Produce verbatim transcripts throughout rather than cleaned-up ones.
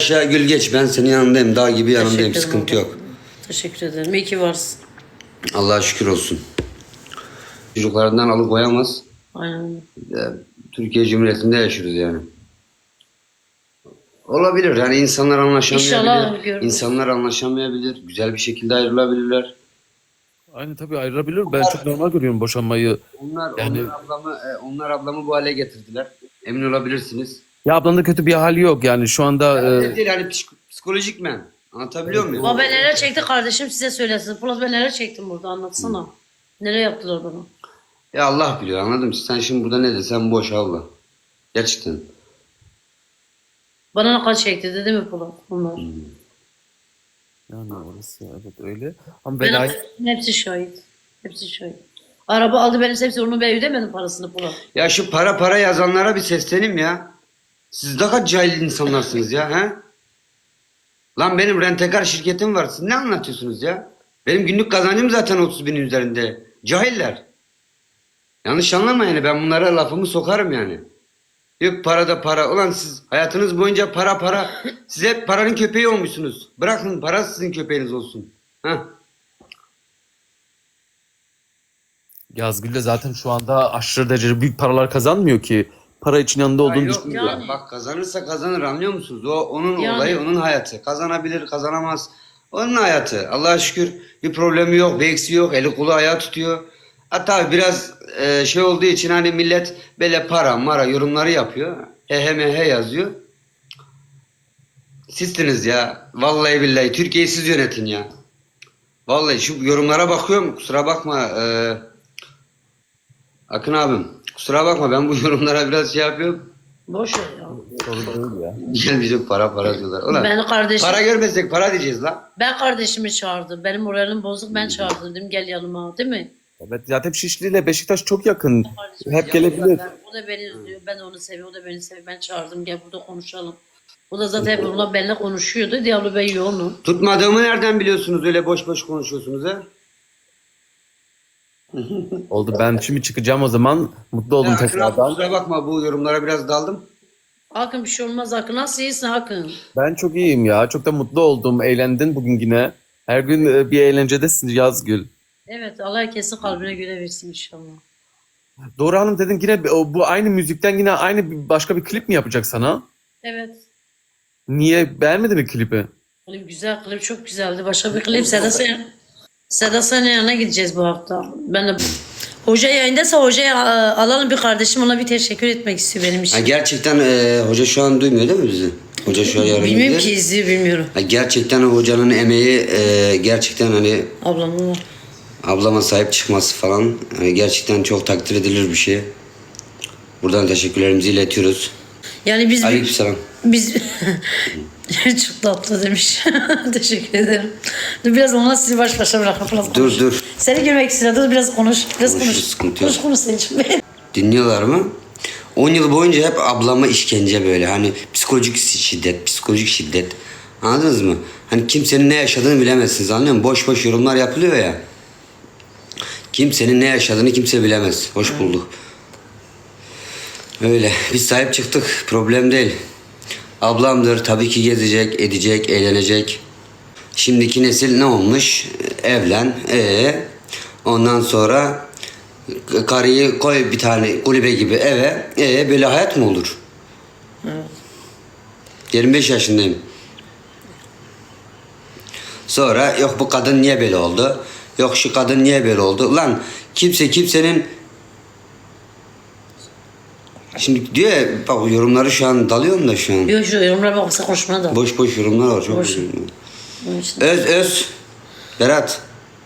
Aşağı gül geç, ben senin yanındayım, dağ gibi yanındayım, Teşekkür sıkıntı ederim. yok. Teşekkür ederim. İyi ki varsın. Allah'a şükür olsun. Çocuklarından alıkoyamaz. Aynen. Ya, Türkiye Cumhuriyeti'nde yaşıyoruz yani. Olabilir yani, insanlar anlaşamayabilir. İnşallah görürüz. İnsanlar anlaşamayabilir. Güzel bir şekilde ayrılabilirler. Aynı tabii ayrılabilir. Ben çok normal görüyorum boşanmayı. Onlar, Yani- onlar ablamı, e, onlar ablamı bu hale getirdiler. Emin olabilirsiniz. Ya ablanın da kötü bir hali yok yani şu anda. Öyle e, değil hani, psik- psikolojik men. Anlatabiliyor muyum? Baba ben neler çekti kardeşim size söylesin. Polat ben neler çektim burada anlatsana. Neler yaptılar bana. Ya Allah biliyor, anladın mı? Sen şimdi burada ne desen boş abla. Gerçekten. Bana ne kadar çekti dedi mi Polat onlar. Yani orası evet öyle. Ama Ben velayet hepsi şahit. Hepsi şahit. Araba aldı benim hepsi onu ben ödemedim parasını Polat. Ya şu para para yazanlara bir seslenim ya. Siz ne kadar cahil insanlarsınız ya, he? Lan benim rentekar şirketim var. Siz ne anlatıyorsunuz ya? Benim günlük kazancım zaten otuz binin üzerinde. Cahiller. Yanlış anlama yani, ben bunlara lafımı sokarım yani. Yok para da para. Ulan siz hayatınız boyunca para para. Siz hep paranın köpeği olmuşsunuz. Bırakın para sizin köpeğiniz olsun. Heh. Yazgül de zaten şu anda aşırı derecede büyük paralar kazanmıyor ki. Para için yanında Ya olduğunu yok düşünmüyor. ya, bak kazanırsa kazanır, anlıyor musunuz? O onun Yani. olayı, onun hayatı. Kazanabilir, kazanamaz. Onun hayatı. Allah'a şükür bir problemi yok, bir eksiği yok. Eli kulu ayağı tutuyor. Ha tabii biraz e, şey olduğu için hani millet böyle para mara yorumları yapıyor. He he me he yazıyor. Sizsiniz ya. Vallahi billahi Türkiye'yi siz yönetin ya. Vallahi şu yorumlara bakıyorum. Kusura bakma e, Akın abim. Kusura bakma, ben bu yorumlara biraz şey yapıyorum. Boş ver ya. Sorun değil ya. Gel bize para para diyorlar. Ulan, Ben kardeşim, para görmesek para diyeceğiz lan. ben kardeşimi çağırdım. Benim moralim bozuk ben çağırdım dedim gel yanıma değil mi? Evet zaten Şişli ile Beşiktaş çok yakın. Kardeşim Hep yanımda. gelebilir. Ben- o da beni üzüyor. Ben de onu seviyorum. O da beni seviyor. Ben çağırdım gel burada konuşalım. O da zaten hep onunla benimle konuşuyordu. Diablo Bey yoğunu. Tutmadığımı nereden biliyorsunuz, öyle boş boş konuşuyorsunuz ha? Oldu, ben şimdi çıkacağım o zaman. Mutlu oldum Ya Akın abi, tekrardan. kusura bakma, bu yorumlara biraz daldım. Akın bir şey olmaz Akın. Nasıl iyisin Akın? Ben çok iyiyim ya. Çok da mutlu oldum. Eğlendin bugün yine. Her gün e, bir eğlencedesin Yazgül. Evet Allah herkesin kalbine göre versin inşallah. Doğru Hanım dedin yine o- bu aynı müzikten yine aynı bir- başka bir klip mi yapacak sana? Evet. Niye beğenmedin mi klibi? Klip güzel. Klip çok güzeldi. Başka bir klip Seda Sayan. Seda Sayan'ın yanına gideceğiz bu hafta. Ben de hoca yayındaysa hocaya a- alalım bir kardeşim ona bir teşekkür etmek istiyor benim Ha, için. gerçekten e, hoca şu an duymuyor değil mi bizi? Hoca şu an yarın Bilmiyorum gidiyor. ki izliyor bilmiyorum. Ha, gerçekten o hocanın emeği, e, gerçekten hani Ablamın var. ablama sahip çıkması falan hani gerçekten çok takdir edilir bir şey. Buradan teşekkürlerimizi iletiyoruz. Yani biz Aleykümselam. biz çok tatlı demiş. Teşekkür ederim. Dur biraz onunla sizi baş başa bırakın. Biraz Dur konuş. dur. Seni görmek istiyorum. Dur biraz konuş. Biraz Konuşuruz, konuş. sıkıntı yok. Konuş konuş senin için. Dinliyorlar mı? on yıl boyunca hep ablama işkence böyle. Hani psikolojik şiddet, psikolojik şiddet. Anladınız mı? Hani kimsenin ne yaşadığını bilemezsiniz, anlıyor musun? Boş boş yorumlar yapılıyor ya. Kimsenin ne yaşadığını kimse bilemez. Hoş bulduk. Öyle. Biz sahip çıktık. Problem değil. Ablamdır. Tabii ki gezecek, edecek, eğlenecek. Şimdiki nesil ne olmuş? Evlen. Ee, ondan sonra karıyı koy bir tane kulübe gibi eve. Ee, böyle hayat mı olur? yirmi beş yaşındayım. Sonra yok bu kadın niye böyle oldu? Yok şu kadın niye böyle oldu? Lan kimse kimsenin... Şimdi diyor ya, bak yorumları şu an dalıyorum da şu an. Yok şu yorumlara bak sen konuşmana da. Boş boş yorumlar var. Çok Boş. boş yorumlar. Onun için. Öz öz. Berat.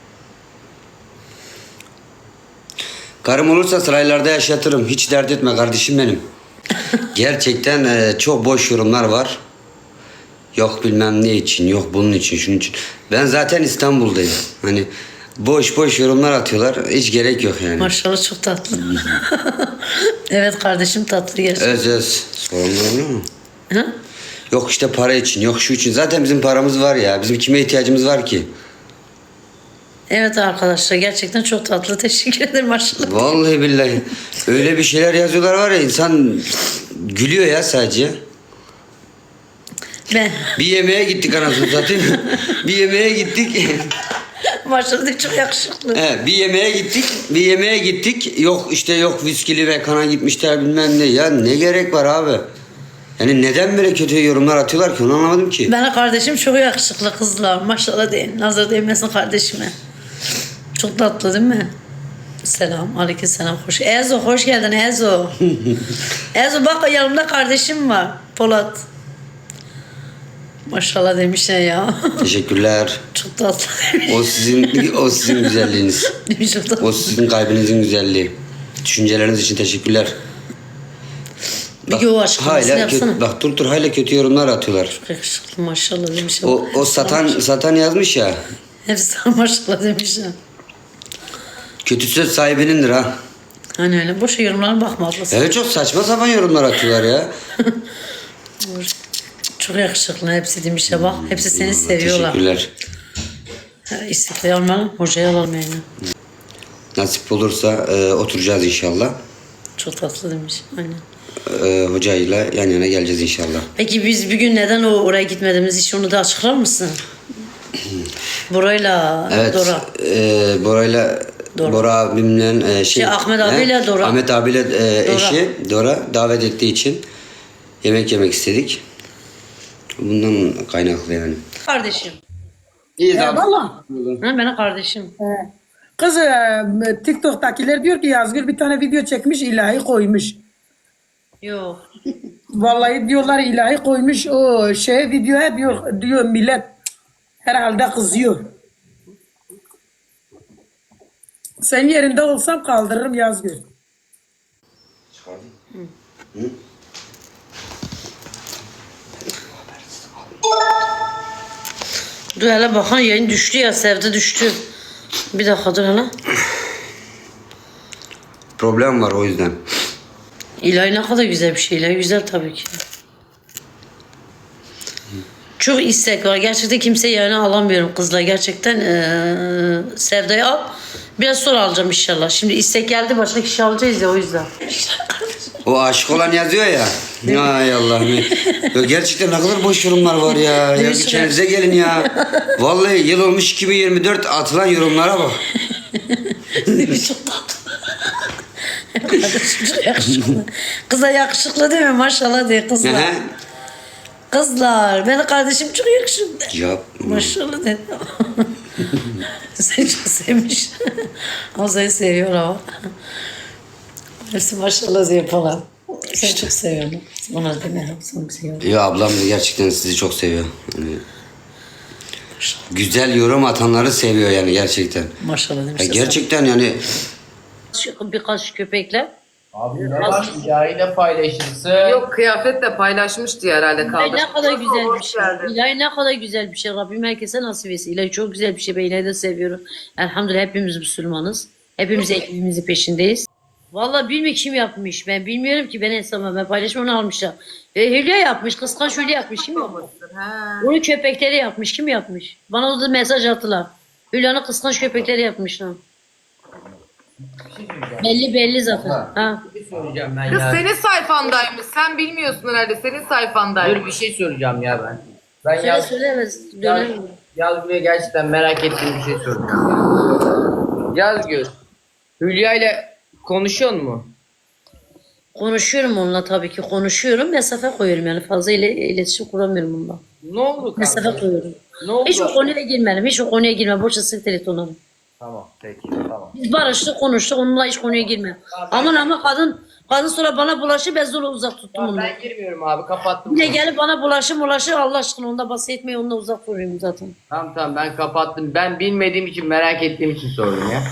Karım olursa saraylarda yaşatırım. Hiç dert etme kardeşim benim. Gerçekten e, çok boş yorumlar var. Yok bilmem ne için, yok bunun için, şunun için. Ben zaten İstanbul'dayım. Hani boş boş yorumlar atıyorlar. Hiç gerek yok yani. Maşallah çok tatlı. Evet kardeşim tatlı gerçekten. Öz öz. Sorunlar oluyor mu? Ha? Yok işte para için, yok şu için. Zaten bizim paramız var ya. Bizim kime ihtiyacımız var ki? Evet arkadaşlar gerçekten çok tatlı. Teşekkür ederim maşallah. Vallahi billahi. Öyle bir şeyler yazıyorlar var ya, insan gülüyor ya sadece. Ben Bir yemeğe gittik anasını satayım. Bir yemeğe gittik. maşallah çok yakışıklı. He, bir yemeğe gittik. Bir yemeğe gittik. Yok işte yok viskili ve kana gitmişler bilmem ne. Ya ne gerek var abi? Yani neden böyle kötü yorumlar atıyorlar ki onu anlamadım ki. Benim kardeşim çok yakışıklı kızlar. Maşallah deyin. Nazar değmesin kardeşime. Çok tatlı değil mi? Selam. Aleyküm selam. Hoş. Ezo hoş geldin Ezo. Ezo bak yanımda kardeşim var. Polat. Maşallah demişler ya. Teşekkürler. Çok tatlı demiş. O sizin o sizin güzelliğiniz. Demiş çok tatlı. O sizin kalbinizin güzelliği. Düşünceleriniz için teşekkürler. Bir gün o açıklamasını hala yapsana. kötü, bak dur dur hala kötü yorumlar atıyorlar. Çok yakışıklı maşallah demiş. O, o satan satan yazmış ya. Hepsi maşallah demişler. Kötü söz sahibinindir ha. Hani öyle boş yorumlara bakma ablası. Evet çok saçma sapan yorumlar atıyorlar ya. Çok yakışıklı hepsi demişler bak. Hepsi seni seviyorlar. Teşekkürler. Ha, İstiklal almalım, hocayı alalım yani. Nasip olursa e, oturacağız inşallah. Çok tatlı demiş. Aynen. E, hocayla yan yana geleceğiz inşallah. Peki biz bir gün neden o oraya gitmediğimiz hiç onu da açıklar mısın? Bora'yla Evet. Dora. E, Bora'yla Dora. Bora abimle e, şey, Şey, Ahmet he? abiyle Dora. Ahmet abiyle e, Dora. eşi Dora davet ettiği için yemek yemek istedik. Bundan kaynaklı yani. Kardeşim. İyi E, valla. Ha, benim kardeşim. Kız e, TikTok'takiler diyor ki Yazgül bir tane video çekmiş ilahi koymuş. Yok. Vallahi diyorlar ilahi koymuş o şey videoya diyor diyor millet herhalde kızıyor. Senin yerinde olsam kaldırırım Yazgül. Dur hele bakan yayın düştü ya sevdi düştü. Bir dakika dur hele. Problem var o yüzden. İlahi ne kadar güzel bir şey. İlahi güzel tabii ki. Çok istek var. Gerçekten kimseyi yani alamıyorum kızlar. Gerçekten eee Sevda'yı al. Biraz sonra alacağım inşallah. Şimdi istek geldi başka kişi alacağız ya o yüzden. O aşık olan yazıyor ya. Ay Allah'ım. Ya gerçekten ne kadar boş yorumlar var ya. Ya bir Değişik. kendinize gelin ya. Vallahi yıl olmuş iki bin yirmi dört atılan yorumlara bak. Çok tatlı. Kardeşim çok yakışıklı. Kızlar yakışıklı değil mi? Maşallah diye kızlar. Ehe. Kızlar. Benim kardeşim çok yakışıklı. Ya Maşallah dedi. Seni çok sevmiş. O seni seviyor ama. Hepsi maşallah diye falan. Seni çok seviyorum. Ona deme. Seni seviyorum. Ya ablam da gerçekten sizi çok seviyor. Yani güzel yorum atanları seviyor yani gerçekten. Maşallah Ya demişler. gerçekten yani Şu- Birkaç köpekle. Abi ne var? Hikayeyle paylaşırsın. Yok kıyafetle paylaşmıştı herhalde İlahi kaldı. ne kadar güzel bir Hoş şey. geldin. İlahi ne kadar güzel bir şey. Rabbim herkese nasip etsin. İlahi çok güzel bir şey. Ben ilahi de seviyorum. Elhamdülillah hepimiz Müslümanız. Hepimiz ekibimizin peşindeyiz. Vallahi bilmiyorum kim yapmış. Ben bilmiyorum ki ben hesabıma. Ben paylaşım onu almışlar. E, Hülya yapmış. Kıskanç Hülya yapmış. Kim yapmış? Ha. Onu köpekleri yapmış. Kim yapmış? Bana o da mesaj attılar. Hülya'nın kıskanç köpekleri yapmışlar. Belli belli zaten. Ha. Bir şey söyleyeceğim ben Kız ya. senin sayfandaymış. Sen bilmiyorsun herhalde. Senin sayfandaymış. Dur bir şey söyleyeceğim ya ben. Ben Söyle yaz, söylemez. yaz, Dönem. Yazgül'e gerçekten merak ettiğim bir şey soracağım. Yazgül, Hülya ile konuşuyor mu? Konuşuyorum onunla tabii ki. Konuşuyorum. Mesafe koyuyorum yani. Fazla ile, iletişim kuramıyorum onunla. Ne oldu Mesafe kanka? koyuyorum. Ne oldu? Hiç o konuya girmedim. Hiç o konuya girme. Boşa siktir et onu. Tamam peki tamam. Biz barıştık konuştuk. Onunla hiç konuya girme. Aman ama kadın kadın sonra bana bulaşır. Ben zorla uzak tuttum Tamam, onu. ben girmiyorum abi kapattım. Bir de gelip bana bulaşır bulaşır. Allah aşkına onda bahsetmeyi onunla uzak duruyorum zaten. Tamam tamam ben kapattım. Ben bilmediğim için merak ettiğim için sordum ya.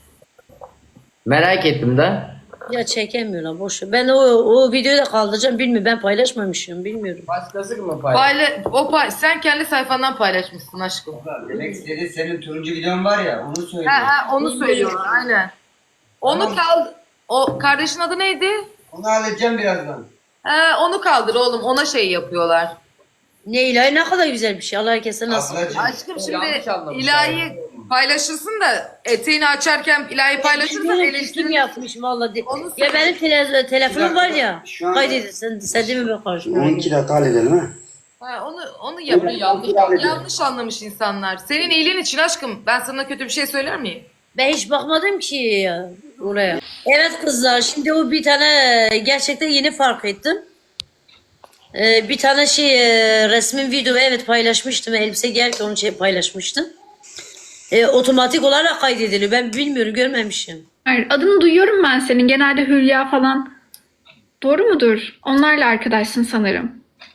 Merak ettim de. Ya çekemiyorlar boş ver. Ben o, o videoyu da kaldıracağım. Bilmiyorum ben paylaşmamışım. Bilmiyorum. Başkası mı paylaş? Payla o pay sen kendi sayfandan paylaşmışsın aşkım. demek istediği senin turuncu videon var ya onu söylüyor. Ha ha onu söylüyorlar aynen. Onu Tamam. kaldır. O kardeşin adı neydi? Onu halledeceğim birazdan. Ha, onu kaldır oğlum. Ona şey yapıyorlar. Ne ilahi ne kadar güzel bir şey. Allah herkese nasip. Ablacığım. Aşkım şimdi yanlış anlamış ilahi paylaşırsın da eteğini açarken ilahi paylaşırsan Bilmiyorum ki kim eleştirin. yapmış vallahi. Onu Ya benim tele telefonum var ya. Şu an- Kaydedin sen, sen değil mi ben karşıma? on iki dakika halledelim ha. Ha, onu onu yapıyor. Yanlış, yanlış anlamış insanlar. Senin iyiliğin için aşkım. Ben sana kötü bir şey söyler miyim? Ben hiç bakmadım ki oraya. Evet kızlar, şimdi o bir tane gerçekten yeni fark ettim. Ee, bir tane şey e, resmin video evet paylaşmıştım. Elbise giyerken onu şey paylaşmıştım. Ee, otomatik olarak kaydediliyor. Ben bilmiyorum, görmemişim. Hayır, adını duyuyorum ben senin. Genelde Hülya falan. Doğru mudur? Onlarla arkadaşsın sanırım.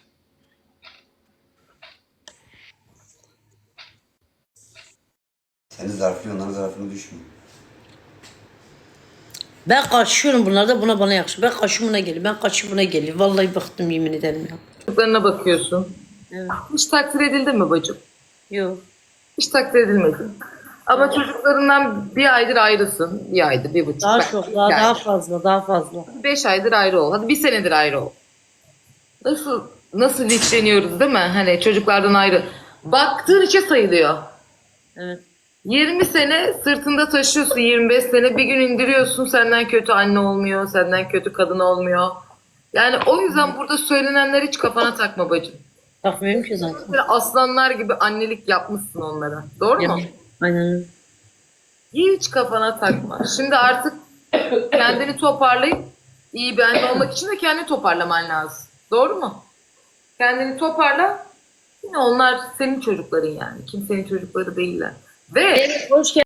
Seni zarflıyor, onların zarfına düşmüyor. Ben kaçıyorum bunlarda, buna bana yakışıyor. Ben kaçıyorum buna geliyor. Ben kaçıyorum buna geliyor. Vallahi bıktım, yemin ederim ya. Çocuklarına bakıyorsun. Evet. Hiç takdir edildi mi bacım? Yok. Hiç takdir edilmedi. Ama çocuklarından bir aydır ayrısın. Bir aydır, bir buçuk. Daha belki çok, iki daha, daha aydır. fazla, daha fazla. Beş aydır ayrı ol. Hadi bir senedir ayrı ol. Nasıl nasıl linçleniyoruz değil mi? Hani çocuklardan ayrı. Baktığın içe sayılıyor. Evet. yirmi sene sırtında taşıyorsun, yirmi beş sene bir gün indiriyorsun, senden kötü anne olmuyor, senden kötü kadın olmuyor. Yani o yüzden burada söylenenler hiç kafana takma bacım. Takmıyorum ki zaten. Böyle aslanlar gibi annelik yapmışsın onlara. Doğru mu? Yani, aynen öyle. Hiç kafana takma. Şimdi artık kendini toparlayıp iyi bir anne olmak için de kendini toparlaman lazım. Doğru mu? Kendini toparla. Yine onlar senin çocukların yani. Kimsenin çocukları değiller. Ve Hoş geldin.